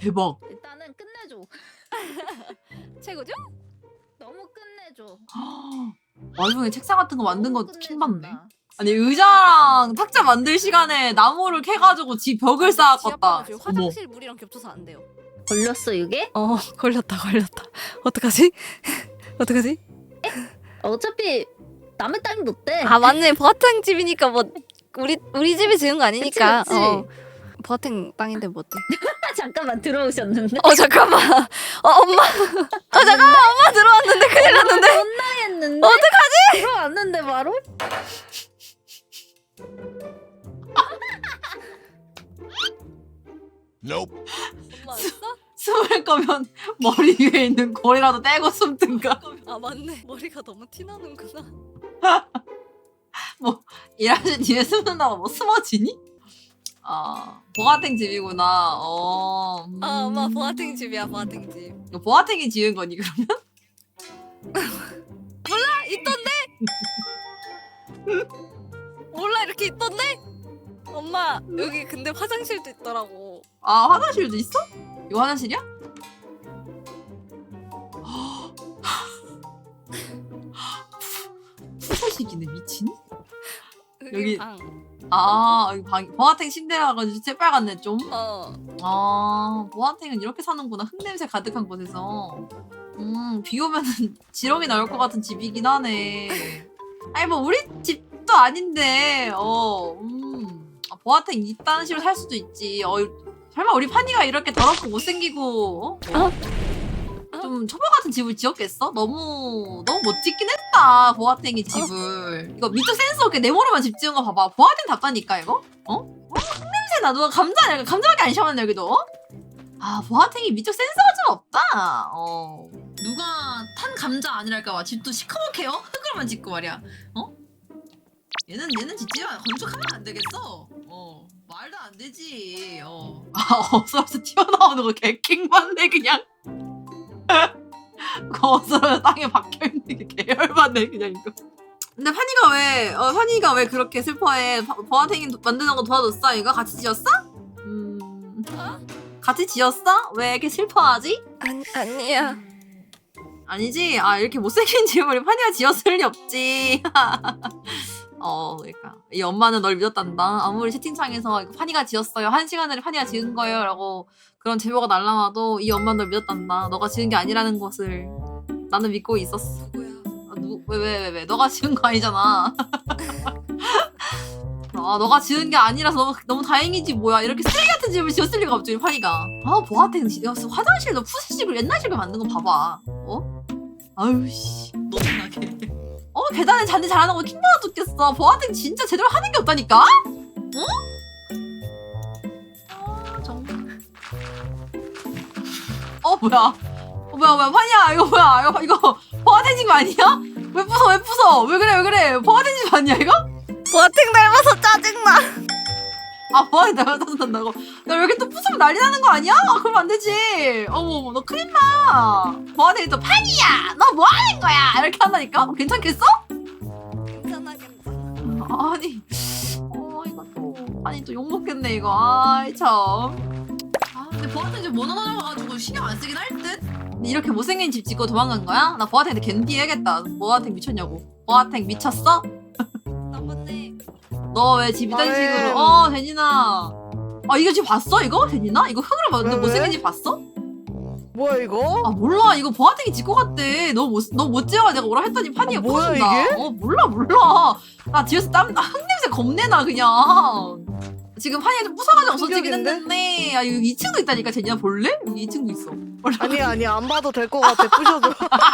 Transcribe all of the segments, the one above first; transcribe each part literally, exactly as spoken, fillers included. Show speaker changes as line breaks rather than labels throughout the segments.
대박.
일단은 끝내줘.
최고죠?
너무 끝내줘.
와중에 책상 같은 거 만든 거
너무
킹받네.
끝내준다.
아니 의자랑 탁자 만들 시간에 나무를 캐가지고 집 벽을 쌓았겠다.
지금
어머.
화장실 물이랑 겹쳐서 안 돼요.
걸렸어 이게?
어 걸렸다 걸렸다. 어떡하지? 어떡하지?
어차피 남의 땅이 못돼.
아 맞네. 보아탱 집이니까 뭐 우리 우리 집이 지은 거 아니니까.
그치, 그치.
어. 보아탱 땅인데 뭐 어때?
잠깐만 들어오셨는데.
어 잠깐만. 어 엄마. 어 잠깐만 엄마 들어왔는데 큰일 났는데.
혼나겠는데?
어떡하지?
들어왔는데 바로?
Nope.
엄마 왔어?
숨을 거면 머리 위에 있는 고리라도 떼고 숨든가.
아 맞네. 머리가 너무 티나는구나.
일하실 뒤에 숨는다고 뭐 숨어지니? 아 보아탱 집이구나. 어. 음.
아 엄마 보아탱 집이야 보아탱 집.
이거 보아탱이 지은 거니 그러면?
아, 있던데? 몰라 이렇게 있던데? 엄마 여기 근데 화장실도 있더라고.
아 화장실도 있어? 이거 화장실이야? 푸세식이네 미친.
여기,
여기-
방.
아 여기 방 보아탱 침대라 가지고 새빨갛네 좀.
어.
아 보아탱은 이렇게 사는구나. 흙냄새 가득한 곳에서. 음비 오면은 지렁이 나올 것 같은 집이긴 하네. 아니 뭐 우리 집도 아닌데 어 음. 아, 보아탱 이딴 식으로 살 수도 있지. 어 설마 우리 파니가 이렇게 더럽고 못생기고 어?
어?
좀 초보 같은 집을 지었겠어? 너무 너무 못 짓긴 했다 보아탱이 집을. 이거 미적 센스 없게 네모로만 집 지은 거 봐봐. 보아탱 답다니까 이거? 어? 어? 흙냄새 나. 누가 감자 아니야? 감자밖에 안 샤워했네 여기도. 어? 아 보아탱이 미적 센스가 좀 없다. 어 누가 탄 감자 아니랄까봐 집도 시커멓게요? 흙으로만 짓고 말이야. 어? 얘는 얘는 짓지 마. 건축하면 안 되겠어. 어 말도 안 되지. 어. 아 어서서 튀어나오는 거 개킹받네 그냥. 그 어서서 땅에 박혀있는 게 계열받네 그냥 이거. 근데 파니가 왜 어, 파니가 왜 그렇게 슬퍼해? 바- 보아탱이 도- 만드는 거 도와줬어? 이거 같이 지었어? 음 같이 지었어? 왜 이렇게 슬퍼하지?
아니 아니야.
아니지? 아 이렇게 못생긴 집을 파니가 지었을 리 없지. 어 그러니까 이 엄마는 널 믿었단다. 아무리 채팅창에서 이거 파니가 지었어요. 한 시간 전에 파니가 지은 거예요 라고 그런 제보가 날라와도 이 엄마는 널 믿었단다. 너가 지은 게 아니라는 것을 나는 믿고 있었어.
누구야?
아, 누, 왜, 왜, 왜, 왜? 너가 지은 거 아니잖아. 아, 너가 지은 게 아니라서 너무, 너무 다행이지, 뭐야. 이렇게 쓰레기 같은 집을 지었을 리가 없지, 파니가. 아, 보아탱, 야, 화장실도 푸시집을 옛날 집을 만든 거 봐봐. 어? 아유, 씨. 너무나게. 어, 계단에 잔디 잘하는 거 킹받아 죽겠어. 보아탱 진짜 제대로 하는 게 없다니까? 어? 아, 정말. 어, 뭐야. 어, 뭐야, 뭐야, 파니야. 이거 뭐야. 이거, 이거, 보아탱 집 아니야? 왜 부숴, 왜 부숴? 왜 그래, 왜 그래? 보아탱 집 아니야, 이거?
보아탱 닮아서 짜증나.
아, 보아탱 닮아서 짜증난다고? 야, 왜 이렇게 또 부수면 난리 나는 거 아니야? 아, 그러면 안 되지. 어머, 너 큰일 나. 보아탱이 또 파니야! 너 뭐 하는 거야? 이렇게 한다니까? 어, 괜찮겠어?
괜찮아 괜찮아.
아니, 어, 이거 또, 아니, 또 욕먹겠네, 이거. 아이, 참. 아, 근데 보아탱 집 모노노여가지고 신경 안 쓰긴 할 듯? 근데 이렇게 못생긴 집 짓고 도망간 거야? 나 보아탱한테 겐디 해야겠다. 보아탱 미쳤냐고. 보아탱 미쳤어?
나쁜데.
너 왜 집 이런
말해.
식으로? 어, 제니나. 아, 이거 집 봤어, 이거? 제니나? 이거 흙으로 만든
왜,
못생긴
왜?
집 봤어?
뭐야 이거?
아, 몰라. 이거 보아탱이 짓고 갔대. 너 못, 너 못 지어가 내가 오라 했더니 판이가
아, 뭐야,
부순다.
이게?
어, 몰라, 몰라. 나 뒤에서 땀, 아, 흙냄새 겁내나, 그냥. 지금 판이가 좀 부숴가지고 없어지긴
충격인데?
했는데. 아, 여기 이 층도 있다니까, 제니나 볼래? 여기 이 층도 있어.
아니 아니 안 봐도 될 것 같아. 부셔줘.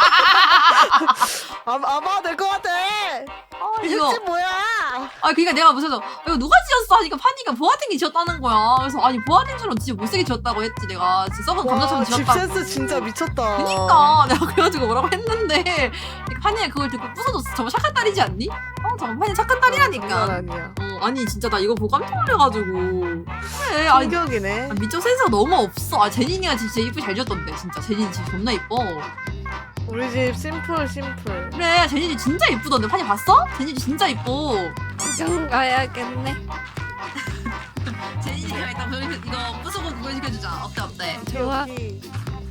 안, 안 봐도 될 것 같아.
아,
이
이거.
집 뭐야?
아, 그니까 내가 무슨, 이거 누가 지었어? 하니까 판이가 보아탱이 지었다는 거야. 그래서, 아니, 보아탱처럼 진짜 못생게 지었다고 했지, 내가. 진짜 썩은 감자처럼
와, 집
지었다고.
센스 진짜 미쳤다.
그니까 내가 그래가지고 뭐라고 했는데 판이가 그걸 듣고 부숴줬어. 저거 착한 딸이지 않니? 어 저거 판이 착한
장난
딸이라니까.
아니야.
어 아니 진짜 나 이거 보고 깜짝 놀래가지고 그래. 아니
충격이네.
아, 미적 센스가 너무 없어. 아 제니니가 진짜 이쁘게 잘 지었던데 진짜. 제니니 집 존나 이뻐.
우리 집 심플 심플.
그래 제니니 진짜 이쁘던데. 판이 봤어? 제니 집 진짜 이뻐.
구경 가야겠네.
제니가 일단 그거 이거 부수고 그거 시켜주자. 어때 어때?
좋아.
여기.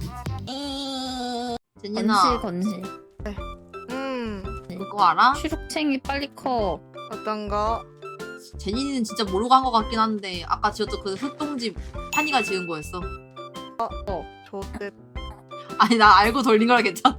제니나
건실 건실.
음.
그거 알아?
추룩챙이 빨리 커.
어떤 거?
제니는 진짜 모르고 한 것 같긴 한데 아까 지었던 그 흙동집 판이가 지은 거였어.
좋대.
아니 나 알고 돌린 거라 괜찮아.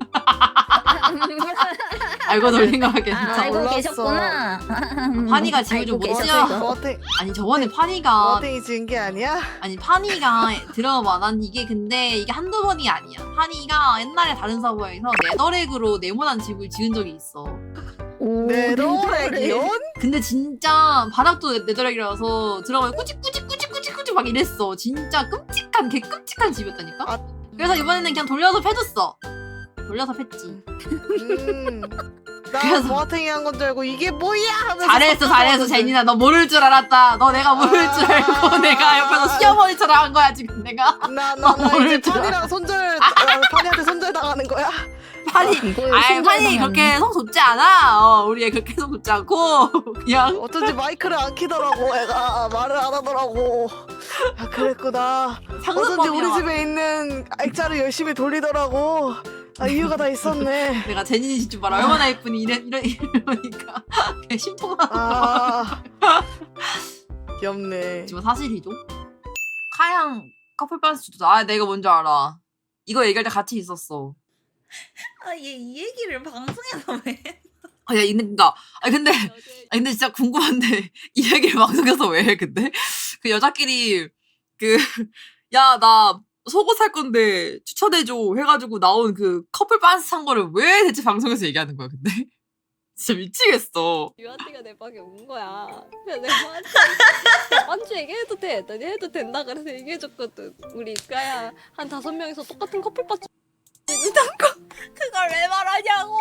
알고 돌린 거라
아,
괜찮아.
알고
몰랐어.
계셨구나.
판이가 지금
알고
좀
계셨어요.
멋지야.
버팅
아니 저번에 판이가
버팅이 지은 게 아니야?
아니 파니가 들어봐 난 이게 근데 이게 한두 번이 아니야. 파니가 옛날에 다른 서버에서 네더렉으로 네모난 집을 지은 적이 있어.
오,
네더렉이요?
근데 진짜 바닥도 네더렉이라서 들어가면 꾸직꾸직꾸직꾸직꾸직 막 이랬어. 진짜 끔찍한 개 끔찍한 집이었다니까.
아.
그래서 이번에는 그냥 돌려서 패줬어. 돌려서 팼지.
음. 나
그래서-
버팅이 한 건 줄 알고 이게 뭐야 하면서
잘했어 잘했어
섞어가지고.
제니나 너 모를 줄 알았다. 너 내가 모를 줄 알고
아.
내가 옆에서 시어머니처럼 한 거야 지금 내가.
나, 나, 나
모를
이제
줄 알아.
판이랑 손절, 어, 판이한테 손절 당하는 거야?
파니
이거에
아이
신경
파니
쓰면
그렇게 성 좁지 않아. 어, 우리 애 그렇게 성 좁지 않고 그냥
어쩐지 마이크를 안 키더라고, 애가. 말을 안 하더라고. 아, 그랬구나. 어쩐지 우리
상습범이야.
집에 있는 액자를 열심히 돌리더라고. 아, 이유가 다 있었네.
내가 제니니 집좀 봐라 얼마나 예쁘니 이래 이러 이러니까 그냥 심통하.
아. 귀엽네.
지금 사실이죠. 카양 커플 반스도 아 내가 뭔지 알아. 이거 얘기할 때 같이 있었어.
아, 얘 이 얘기를 방송에서 왜?
아, 야, 있는가? 아, 근데, 아, 근데 진짜 궁금한데, 이 얘기를 방송에서 왜 해, 근데? 그 여자끼리, 그, 야, 나 속옷 살 건데 추천해줘 해가지고 나온 그 커플 반스 산 거를 왜 대체 방송에서 얘기하는 거야, 근데? 진짜 미치겠어.
유한이가 내 방에 온 거야. 그래서 내가 한테 반주 얘기해도 돼. 했더니 해도 된다 그래서 얘기해줬거든. 우리 이까야 한 다섯 명이서 똑같은 커플 반주
그걸 왜 말하냐고.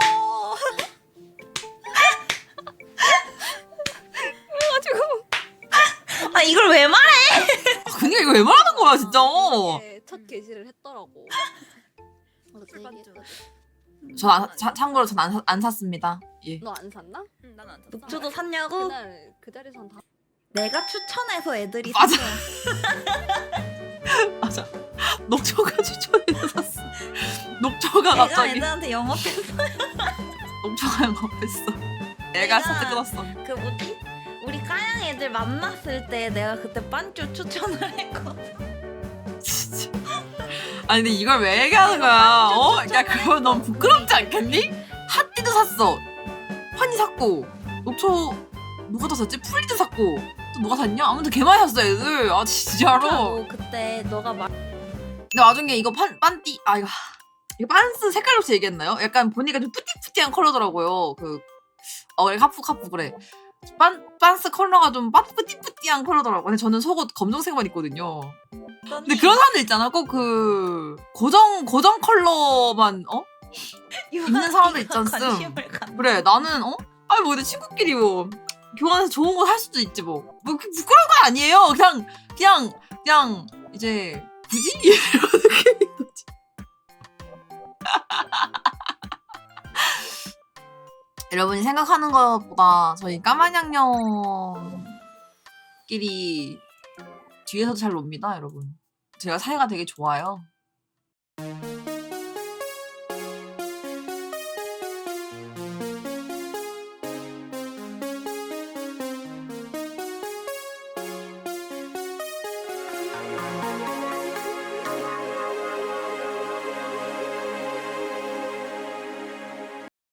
그래가지고
아, 이걸 왜 말해?
아, 그니까 이거 왜 말하는 거야, 진짜.
네, 첫 게시를 했더라고. 커플 반주.
전 안, 자, 참고로 전 안 안 샀습니다. 예.
너 안 샀나?
응, 난안 샀어. 녹초도 샀냐고?
그날 그 자리에서 다
내가 추천해서 애들이
맞아.
샀어.
맞아. 녹초가 추천해서 샀어. 녹초가
내가
갑자기,
애들한테 영업했어.
녹초가 영업했어. 내가
내가-
사트 끊었어.
그 뭐지? 우리 까양 애들 만났을 때 내가 그때 반주 추천을 했거든.
진짜. 아니 근데 이걸 왜 얘기하는 거야? 어? 야 그거 너무 부끄럽지 않겠니? 핫띠도 샀어. 환희 샀고 녹초 누가 더 샀지? 풀리도 샀고 또 누가 샀냐? 아무튼 개 많이 샀어 애들. 아 진짜로.
너 그때 너가 말
근데 나중에 이거 판 반띠 아 이거 이거 반스 색깔 없이 얘기했나요? 약간 보니까 좀 뿌띠뿌띠한 컬러더라고요. 그 어 그래 카푸 카푸 그래. 반 반스 컬러가 좀 빠- 뿌띠뿌띠한 컬러더라고. 근데 저는 속옷 검정색만 입거든요. 근데 그런 사람들 있잖아. 꼭 그 고정 고정 컬러만 어 입는 사람들 있지 않습?
관심을 갖는
그래 나는 어 아니 뭐 근데 친구끼리 뭐 교환해서 좋은 거 살 수도 있지 뭐. 뭐 그 부끄러운 거 아니에요. 그냥 그냥 그냥 이제 굳이 이런 느낌인 거지. 여러분이 생각하는 것보다 저희 까만양념끼리 뒤에서도 잘 놉니다, 여러분. 제가 사이가 되게 좋아요.